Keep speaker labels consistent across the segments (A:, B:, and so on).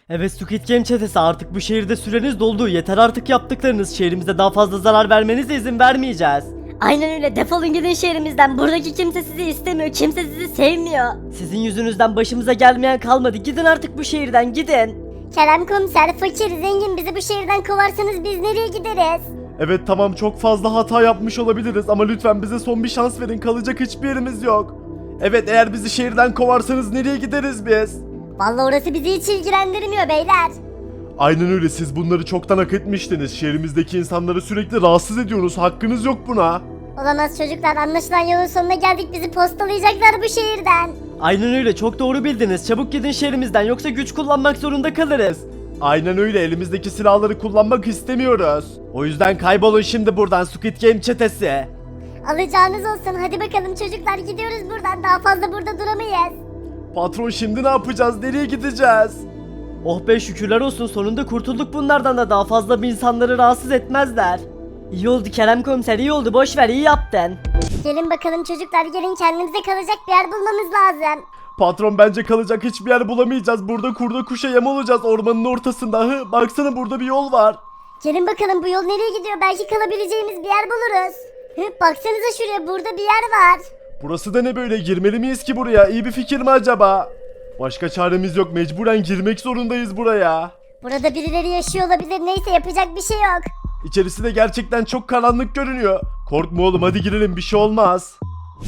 A: Evet Squid Game çetesi, artık bu şehirde süreniz doldu. Yeter artık yaptıklarınız. Şehrimize daha fazla zarar vermenize izin vermeyeceğiz.
B: Aynen öyle, defolun gidin şehrimizden. Buradaki kimse sizi istemiyor, kimse sizi sevmiyor.
A: Sizin yüzünüzden başımıza gelmeyen kalmadı. Gidin artık bu şehirden, gidin.
B: Kerem komiser, fakir, zengin, bizi bu şehirden kovarsanız biz nereye gideriz?
C: Evet tamam, çok fazla hata yapmış olabiliriz ama lütfen bize son bir şans verin, kalacak hiçbir yerimiz yok. Evet, eğer bizi şehirden kovarsanız nereye gideriz biz?
B: Vallahi orası bizi hiç ilgilendirmiyor beyler.
C: Aynen öyle, siz bunları çoktan hak etmiştiniz. Şehrimizdeki insanları sürekli rahatsız ediyorsunuz, hakkınız yok buna.
B: Olamaz çocuklar, anlaşılan yolun sonuna geldik, bizi postalayacaklar bu şehirden.
A: Aynen öyle, çok doğru bildiniz. Çabuk gidin şehrimizden, yoksa güç kullanmak zorunda kalırız.
C: Aynen öyle, elimizdeki silahları kullanmak istemiyoruz. O yüzden kaybolun şimdi buradan Squid Game çetesi.
B: Alacağınız olsun, hadi bakalım çocuklar, gidiyoruz buradan, daha fazla burada duramayız.
C: Patron, şimdi ne yapacağız, nereye gideceğiz?
A: Oh be, şükürler olsun, sonunda kurtulduk bunlardan da daha fazla bir insanları rahatsız etmezler. İyi oldu Kerem komiser, iyi oldu, boş ver, iyi yaptın.
B: Gelin bakalım çocuklar, gelin, kendimize kalacak bir yer bulmamız lazım.
C: Patron, bence kalacak hiçbir yer bulamayacağız. Burada kurda kuşa yem olacağız ormanın ortasında. Baksana, burada bir yol var.
B: Gelin bakalım, bu yol nereye gidiyor, belki kalabileceğimiz bir yer buluruz. Baksanıza şuraya, burada bir yer var.
C: Burası da ne böyle, girmeli miyiz ki buraya? İyi bir fikir mi acaba? Başka çaremiz yok, mecburen girmek zorundayız buraya.
B: Burada birileri yaşıyor olabilir, neyse, yapacak bir şey yok.
C: İçerisi de gerçekten çok karanlık görünüyor. Korkma oğlum, hadi girelim, bir şey olmaz.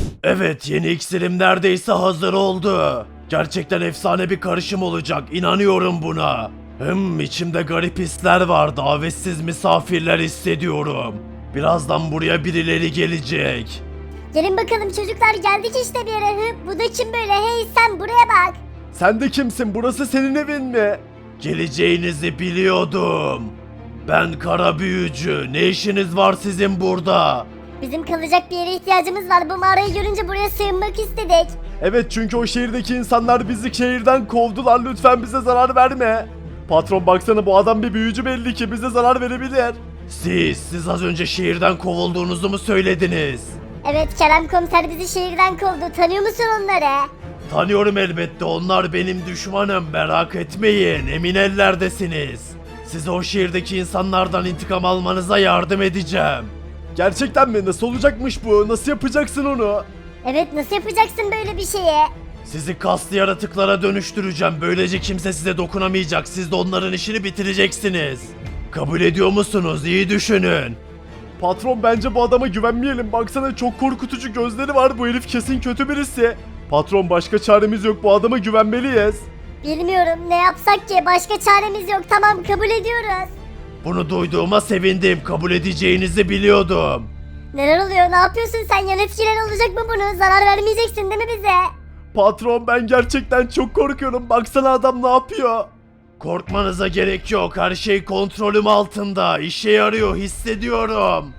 C: Evet, yeni iksirim neredeyse hazır oldu. Gerçekten efsane bir karışım olacak, inanıyorum buna. İçimde garip hisler var, davetsiz misafirler hissediyorum. Birazdan buraya birileri gelecek.
B: Gelin bakalım çocuklar, geldik işte bir yere. Bu da kim böyle, hey sen buraya bak.
C: Sen de kimsin, burası senin evin mi? Geleceğinizi biliyordum. Ben kara büyücü, ne işiniz var sizin burada?
B: Bizim kalacak bir yere ihtiyacımız var, bu mağarayı görünce buraya sığınmak istedik.
C: Evet, çünkü o şehirdeki insanlar bizi şehirden kovdular, lütfen bize zarar verme. Patron, baksana, bu adam bir büyücü, belli ki bize zarar verebilir. Siz az önce şehirden kovulduğunuzu mu söylediniz?
B: Evet, Kerem komiser bizi şehirden kovdu, tanıyor musun onları?
C: Tanıyorum elbette, onlar benim düşmanım, merak etmeyin, emin ellerdesiniz. Size o şehirdeki insanlardan intikam almanıza yardım edeceğim. Gerçekten mi? Nasıl olacakmış bu? Nasıl yapacaksın onu?
B: Evet, nasıl yapacaksın böyle bir şeyi?
C: Sizi kaslı yaratıklara dönüştüreceğim. Böylece kimse size dokunamayacak. Siz de onların işini bitireceksiniz. Kabul ediyor musunuz? İyi düşünün. Patron, bence bu adama güvenmeyelim. Baksana, çok korkutucu gözleri var. Bu herif kesin kötü birisi. Patron, başka çaremiz yok. Bu adama güvenmeliyiz.
B: Bilmiyorum, ne yapsak ki, başka çaremiz yok, tamam kabul ediyoruz.
C: Bunu duyduğuma sevindim. Kabul edeceğinizi biliyordum.
B: Neler oluyor, ne yapıyorsun sen, yan etkiler olacak mı bunu, zarar vermeyeceksin değil mi bize?
C: Patron, ben gerçekten çok korkuyorum. Baksana, adam ne yapıyor? Korkmanıza gerek yok. Her şey kontrolüm altında. İşe yarıyor, hissediyorum.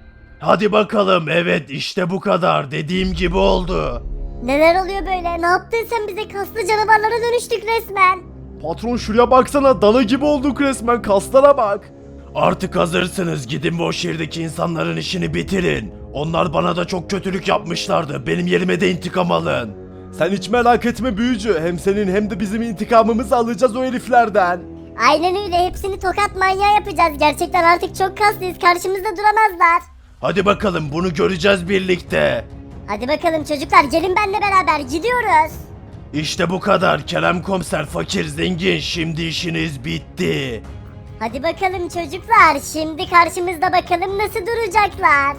C: Hadi bakalım. Evet, işte bu kadar. Dediğim gibi oldu.
B: Neler oluyor böyle, ne yaptın sen bize, kaslı canavarlara dönüştük resmen.
C: Patron, şuraya baksana, dana gibi olduk resmen, kaslara bak. Artık hazırsınız, gidin bu şehirdeki insanların işini bitirin. Onlar bana da çok kötülük yapmışlardı, benim yerime de intikam alın. Sen hiç merak etme büyücü, hem senin hem de bizim intikamımızı alacağız o heriflerden.
B: Aynen öyle, hepsini tokat manyağı yapacağız, gerçekten artık çok kaslıyız, karşımızda duramazlar.
C: Hadi bakalım, bunu göreceğiz birlikte.
B: Hadi bakalım çocuklar, gelin benimle beraber gidiyoruz.
C: İşte bu kadar Kerem komiser, fakir zengin, şimdi işiniz bitti.
B: Hadi bakalım çocuklar, şimdi karşımızda bakalım nasıl duracaklar.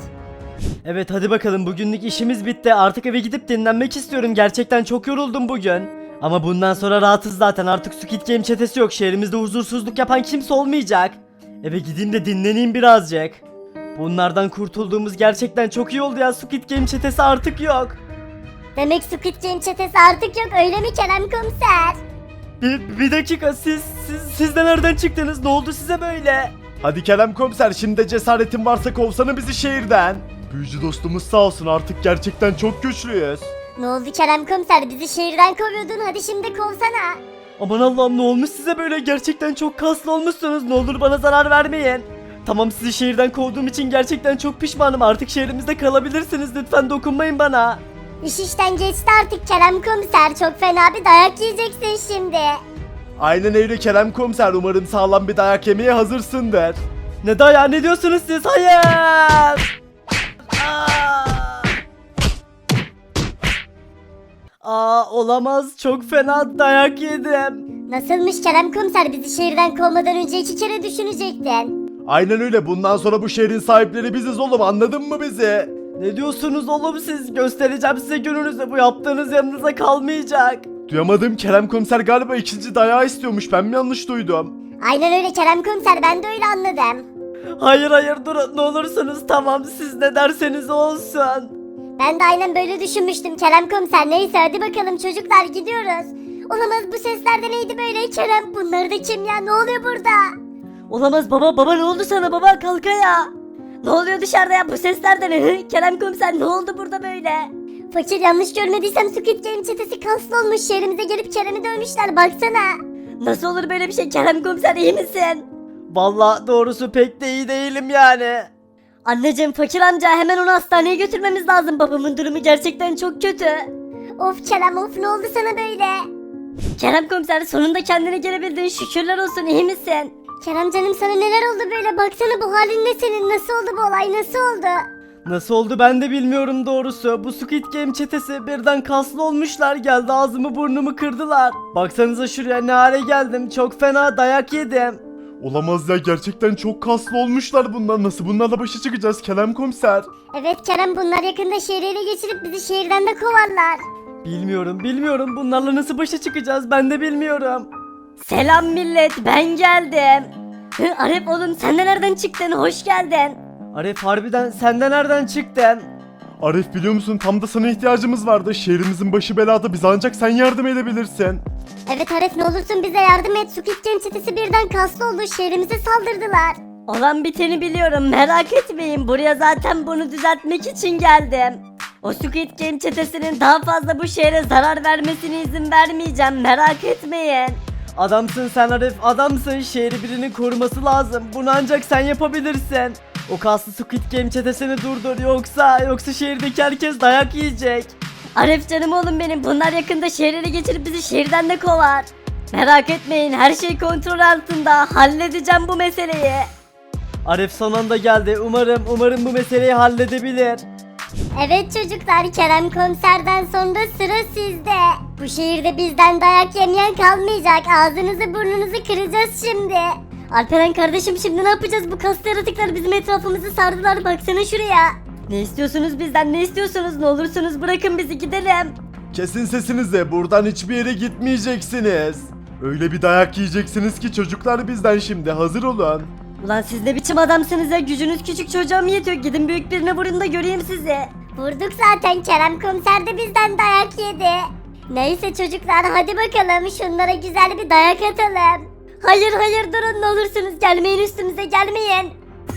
A: Evet hadi bakalım, bugünlük işimiz bitti. Artık eve gidip dinlenmek istiyorum. Gerçekten çok yoruldum bugün. Ama bundan sonra rahatız zaten. Artık Squid Game çetesi yok. Şehrimizde huzursuzluk yapan kimse olmayacak. Eve gideyim de dinleneyim birazcık. Bunlardan kurtulduğumuz gerçekten çok iyi oldu ya. Squid Game çetesi artık yok.
B: Demek Squid Game çetesi artık yok, öyle mi Kerem komiser?
A: Bir dakika, siz de nereden çıktınız? Ne oldu size böyle?
C: Hadi Kerem komiser, şimdi de cesaretin varsa kovsana bizi şehirden. Büyücü dostumuz sağ olsun, artık gerçekten çok güçlüyüz.
B: Ne oldu Kerem komiser, bizi şehirden kovuyordun, hadi şimdi kovsana.
A: Aman Allah'ım, ne olmuş size böyle? Gerçekten çok kaslı olmuşsunuz. Ne olur bana zarar vermeyin. Tamam, sizi şehirden kovduğum için gerçekten çok pişmanım. Artık şehrimizde kalabilirsiniz. Lütfen dokunmayın bana.
B: İş işten geçti artık Kerem komiser, çok fena bir dayak yiyeceksin şimdi.
C: Aynen öyle Kerem Komiser, umarım sağlam bir dayak yemeye hazırsındır.
A: Ne dayağı, ne diyorsunuz siz? Hayır! Olamaz, çok fena dayak yedim.
B: Nasılmış Kerem komiser, bizi şehirden kovmadan önce 2 kere düşünecektin.
C: Aynen öyle, bundan sonra bu şehrin sahipleri biziz oğlum, anladın mı bizi?
A: Ne diyorsunuz oğlum siz? Göstereceğim size gününüzü, bu yaptığınız yanınıza kalmayacak.
C: Duyamadım, Kerem Komiser galiba ikinci dayağı istiyormuş, ben mi yanlış duydum?
B: Aynen öyle Kerem komiser, ben de öyle anladım.
A: Hayır hayır, durun ne olursunuz, tamam siz ne derseniz olsun.
B: Ben de aynen böyle düşünmüştüm Kerem komiser. Neyse hadi bakalım çocuklar, gidiyoruz. Olamaz, bu sesler de neydi böyle Kerem? Bunlar da kim ya? Ne oluyor burada?
A: Olamaz baba ne oldu sana baba, kalk ya. Ne oluyor dışarıda ya, bu sesler de ne? Kerem komiser ne oldu burada böyle?
B: Fakir, yanlış görmediysem Squid Game çetesi kaslı olmuş. Şehrimize gelip Kerem'i dövmüşler, baksana.
A: Nasıl olur böyle bir şey, Kerem komiser iyi misin? Vallahi doğrusu pek de iyi değilim yani. Anneciğim, fakir amca hemen onu hastaneye götürmemiz lazım, babamın durumu gerçekten çok kötü.
B: Of Kerem of, ne oldu sana böyle?
A: Kerem komiser sonunda kendine gelebildin, şükürler olsun, iyi misin?
B: Kerem canım, sana neler oldu böyle? Baksana, bu halin ne senin? Nasıl oldu bu olay, nasıl oldu?
A: Nasıl oldu ben de bilmiyorum doğrusu. Bu Squid Game çetesi birden kaslı olmuşlar, geldi ağzımı burnumu kırdılar. Baksanıza şuraya, ne hale geldim, çok fena dayak yedim.
C: Olamaz ya, gerçekten çok kaslı olmuşlar bunlar, nasıl bunlarla başa çıkacağız Kerem Komiser?
B: Evet Kerem, bunlar yakında şehri ele geçirip bizi şehirden de kovarlar.
A: Bilmiyorum bunlarla nasıl başa çıkacağız, ben de bilmiyorum. Selam millet, ben geldim. Arif oğlum, sen de nereden çıktın, hoş geldin. Arif harbiden sen de nereden çıktın?
C: Arif, biliyor musun, tam da sana ihtiyacımız vardı, şehrimizin başı belada, bize ancak sen yardım edebilirsin.
B: Evet Arif, ne olursun bize yardım et. Squid Game çetesi birden kaslı oldu, şehrimize saldırdılar.
A: Olan biteni biliyorum, merak etmeyin, buraya zaten bunu düzeltmek için geldim. O Squid Game çetesinin daha fazla bu şehre zarar vermesine izin vermeyeceğim, merak etmeyin. Adamsın sen Arif, adamsın, şehri birinin koruması lazım, bunu ancak sen yapabilirsin. O kaslı Squid Game çetesini durdur, yoksa şehirdeki herkes dayak yiyecek. Arif canım oğlum benim, bunlar yakında şehirlere geçirip bizi şehirden de kovar. Merak etmeyin, her şey kontrol altında, halledeceğim bu meseleyi. Arif son anda geldi, umarım bu meseleyi halledebilir.
B: Evet çocuklar, Kerem komiserden sonra sıra sizde. Bu şehirde bizden dayak yemeyen kalmayacak. Ağzınızı burnunuzu kıracağız şimdi. Alperen kardeşim, şimdi ne yapacağız? Bu kaslı yaratıklar bizim etrafımızı sardılar, baksana şuraya.
A: Ne istiyorsunuz bizden, ne istiyorsunuz, ne olursunuz bırakın bizi gidelim.
C: Kesin sesinizi, buradan hiçbir yere gitmeyeceksiniz. Öyle bir dayak yiyeceksiniz ki çocuklar, bizden şimdi hazır olun.
A: Ulan siz ne biçim adamsınız ya, gücünüz küçük çocuğa mı yetiyor, gidin büyük birine vurun da göreyim sizi.
B: Vurduk zaten, Kerem komiser de bizden dayak yedi. Neyse çocuklar, hadi bakalım şunlara güzel bir dayak atalım.
A: Hayır durun, ne olursunuz gelmeyin, üstümüze gelmeyin.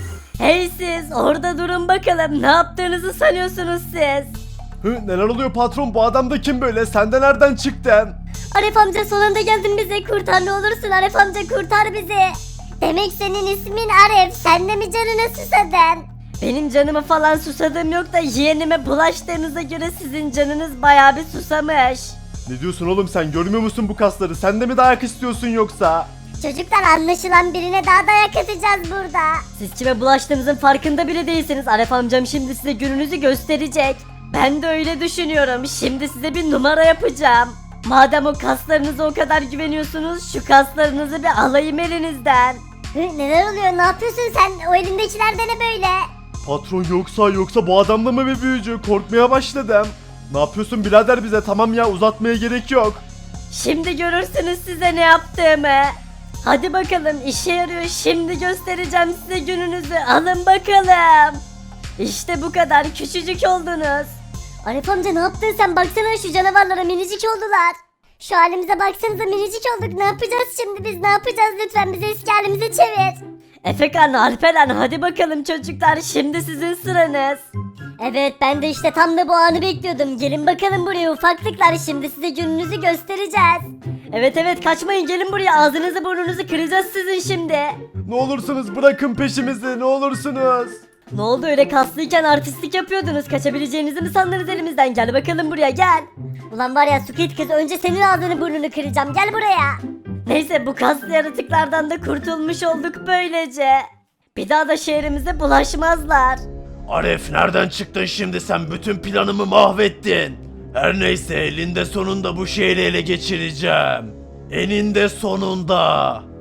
A: Hey siz orada durun bakalım, ne yaptığınızı sanıyorsunuz siz?
C: Neler oluyor patron, bu adam da kim böyle, sen de nereden çıktın?
B: Arif amca, son anda geldin, bize kurtar ne olursun, Arif amca kurtar bizi. Demek senin ismin Arif, sen de mi canına susadın?
A: Benim canıma falan susadığım yok da yeğenime bulaştığınıza göre sizin canınız bayağı bir susamış.
C: Ne diyorsun oğlum sen, görmüyor musun bu kasları, sen de mi dayak istiyorsun yoksa?
B: Çocuklar, anlaşılan birine daha dayak atacağız burada.
A: Siz kime bulaştığınızın farkında bile değilsiniz. Arif amcam şimdi size gününüzü gösterecek. Ben de öyle düşünüyorum. Şimdi size bir numara yapacağım. Madem o kaslarınıza o kadar güveniyorsunuz, şu kaslarınızı bir alayım elinizden.
B: Neler oluyor, ne yapıyorsun sen? O elindekiler de ne böyle?
C: Patron, yoksa bu adamla mı bir büyücü, korkmaya başladım. Ne yapıyorsun birader bize, tamam ya, uzatmaya gerek yok.
A: Şimdi görürsünüz size ne yaptığımı. Hadi bakalım, işe yarıyor, şimdi göstereceğim size gününüzü, alın bakalım. İşte bu kadar, küçücük oldunuz.
B: Arif amca, ne yaptın sen? Baksana şu canavarlara, minicik oldular. Şu halimize baksanıza, minicik olduk. Ne yapacağız şimdi biz, ne yapacağız? Lütfen bizi eski halimize çevir.
A: Efekan, Alperen, hadi bakalım çocuklar, şimdi sizin sıranız.
B: Evet, ben de işte tam da bu anı bekliyordum. Gelin bakalım buraya ufaklıklar, şimdi size gününüzü göstereceğiz.
A: Evet kaçmayın, gelin buraya, ağzınızı burnunuzu kıracağız sizin şimdi.
C: Ne olursunuz bırakın peşimizi, ne olursunuz.
A: Ne oldu, öyle kaslıyken artistlik yapıyordunuz, kaçabileceğinizi mi sandınız elimizden? Gel bakalım buraya, gel.
B: Ulan var ya Squid kız, önce senin ağzını burnunu kıracağım, gel buraya.
D: Neyse bu kaslı yaratıklardan da kurtulmuş olduk böylece. Bir daha da şehrimize bulaşmazlar.
C: Aref nereden çıktın şimdi sen? Bütün planımı mahvettin. Her neyse elinde sonunda bu şehri ele geçireceğim. Eninde sonunda.